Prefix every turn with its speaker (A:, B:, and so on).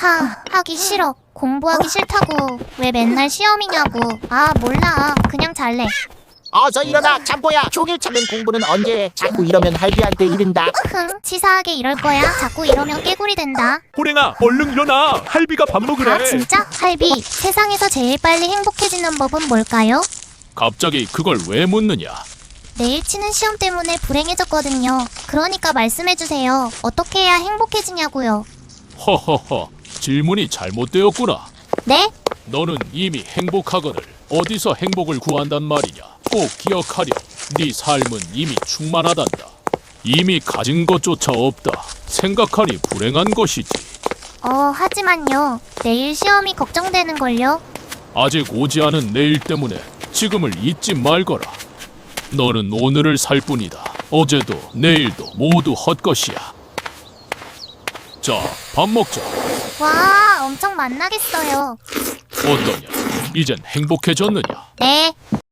A: 하기 싫어. 공부하기 싫다고. 왜 맨날 시험이냐고. 아, 몰라. 그냥 잘래.
B: 어서 일어나 잠보야. 종일 찾는 공부는 언제 해? 자꾸 이러면 할비한테 이른다.
A: 치사하게 이럴 거야. 자꾸 이러면 깨구리 된다.
C: 호랭아, 얼른 일어나. 할비가 밥 먹으래.
A: 아, 진짜? 할비, 세상에서 제일 빨리 행복해지는 법은 뭘까요?
C: 갑자기 그걸 왜 묻느냐?
A: 내일 치는 시험 때문에 불행해졌거든요. 그러니까 말씀해주세요. 어떻게 해야 행복해지냐고요.
C: 허허허, 질문이 잘못되었구나.
A: 네?
C: 너는 이미 행복하거늘 어디서 행복을 구한단 말이냐? 꼭 기억하렴. 네 삶은 이미 충만하단다. 이미 가진 것조차 없다. 생각하니 불행한 것이지.
A: 하지만요. 내일 시험이 걱정되는걸요.
C: 아직 오지 않은 내일 때문에 지금을 잊지 말거라. 너는 오늘을 살 뿐이다. 어제도 내일도 모두 헛것이야. 자, 밥 먹자.
A: 와, 엄청 만나겠어요.
C: 어떠냐? 이젠 행복해졌느냐?
A: 네.